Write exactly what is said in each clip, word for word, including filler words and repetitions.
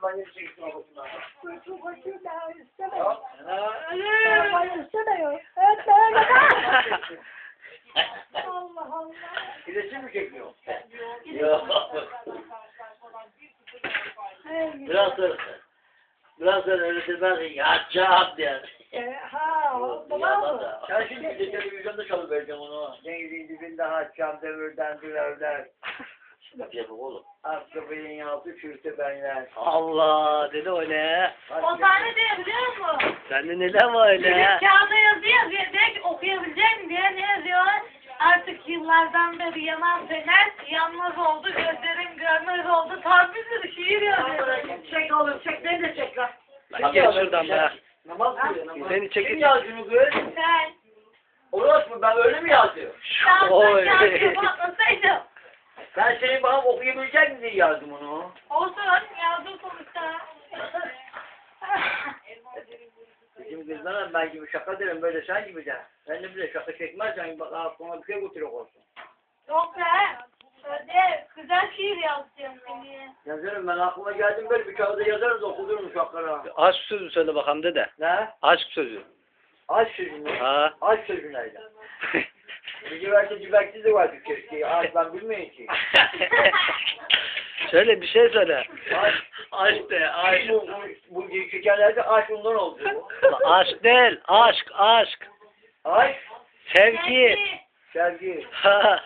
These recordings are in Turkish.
kampanya çekti babasından. Çok hoşum ben istemiyorum. Ya. Kampanya istemiyorum. Evet ben Allah Allah. İletişim mi çekiyor? Yok. Hey, Biraz sonra, biraz sonra öyle demez, yatacağım diye. e, ha, baba mı? Ben şimdi bir de televizyonda çalıvereceğim onu. Denizin dibinde haçam, demirden dürevler. Yapacak oğlum. Askı beyin altı çürütü benler. Allah dedi öyle. O tane de biliyor musun? Sende neler var öyle? Kağıda yazıyor, diyor ki okuyabilecek mi diye ne yazıyor? Artık yıllardan beri yanan fener, yanmaz oldu, gözlerim görmez oldu. Tam bir sürü şiir yazıyor. Çek oğlum, çek beni de çek lan. Lan gel şuradan be. Namaz kılıyor namaz. Seni çekip- Kim yazdı bunu kız? Sen, Orası mı? Ben öyle mi yazdım? sen Oy. kağıdı patlasaydım. Ben senin bana okuyabilecek mi diye yazdım onu. Olsun, yazdım sonuçta. Bizim kızlara ben gibi şaka derim böyle sen gibi de. Ben de bile şaka çekmezsen bak aklıma bir şey götürük olsun. Yok be. Öyle güzel şiir yazacağım seni. Yazarım ben aklıma geldim böyle bir kağıda yazarız okudurum uşaklara. Aşk sözü söyle bakalım dede. Ne? Aşk sözü. Aşk sözü mü? Ha. Aşk sözü neydi? Bir cibekli cibekli de vardı keşke. Aşk ben bilmiyorum ki. Söyle bir şey söyle. Aşk. Aşk de aşk. Bu, bu, bu şekerlerde aşk ondan oldu. Aşk değil aşk aşk. Aşk, Sevgi. sevgi. Ha.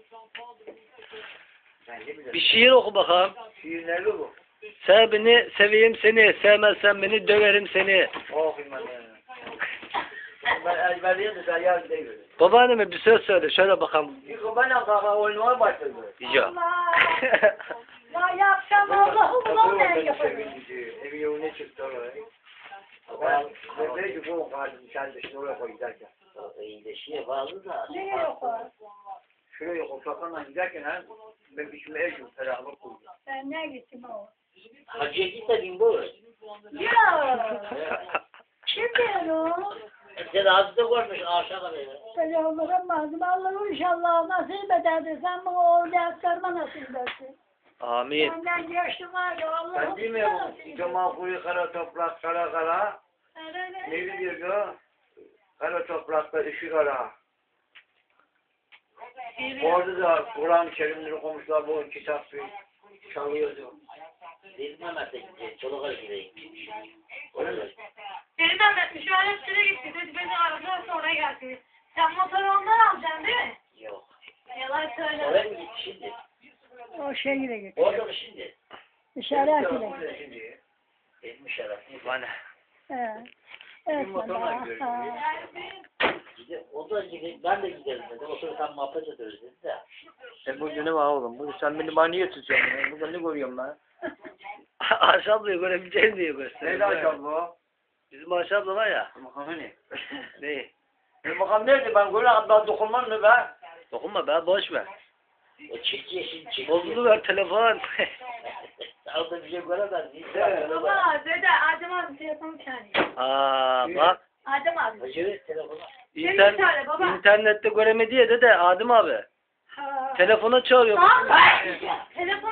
Ben de Bir bilirim. şiir oku bakalım. Şiir nerede bu? Sev beni seveyim seni. Sevmezsen beni döverim seni. Okuyayım ben yani. Ben ezberleyeyim de sen yarın değil. Babaanneme bir söz söyle. Şöyle bakalım. Yıkı benle kaka oynamaya başladı. Yok. Ya yapsam Allah'ım ulan ben yaparım. Evi yoluna çıktı oraya. Ben de ki bu kardeşim sen dışına oraya koy giderken. İyileşiye bağlı da. Neye yok o? Şuraya otokanla giderken ha ben biçime ev yok ferahlık koydum. Ben ne gittim o? Hacıya gitmedin bu. Ya. Kim diyor o? Sen ağzı da görmüş aşağıda böyle. Ben Allah'ım lazım. Allah'ım inşallah nasip ederdi. Sen bana o derslerime nasip edersin. Amin. Benden geçtim var ya Allah'ım. Ben değil mi bu? Cemal kuyu kara toprak kara kara. Ne diyordu? Kara toprakta ışık ara. Orada da Kur'an-ı Kerimleri okumuşlar bu kitap çalıyordu. Değil mi Mehmet'e gidecek? Çoluk'a gideyim. Öyle mi? Benim Mehmet şöyle süre gitti. Dedi beni aradılar sonra geldi. Sen motoru ondan alacaksın değil mi? Yok. Yalan söyle. Oraya mı gitti şimdi? O şehire git. Orada mı şimdi? İşaret ile Orada git. şimdi. Etmiş herhalde. Bana. He. Evet. motorla baba. gidiyor. Ha. Gide, o da gide, ben de giderim dedi. O sırada tam muhabbet ediyoruz dedi de. E bu ne var oğlum? Bu Sen beni bana niye tutuyorsun? ya? Burada ne görüyorum ben? Ayşe ablayı görebileceğim diye gösteriyor. Neydi akşam bu? Bizim Ayşe abla var ya. Bakalım hani. Ne? E bakalım nerede ben böyle ben dokunmam mı be? Dokunma be boş ver. O çift yeşil çift. Bozulu ver telefon. Orada bir şey göremez. Baba dede Adem abi telefonu çağırıyor. Aa bak. Adem abi. Hacı telefonu. İnter Seni çağırıyor baba. internette göremedi ya dede Adem abi. Ha. Telefona çağırıyor. Tamam. Telefon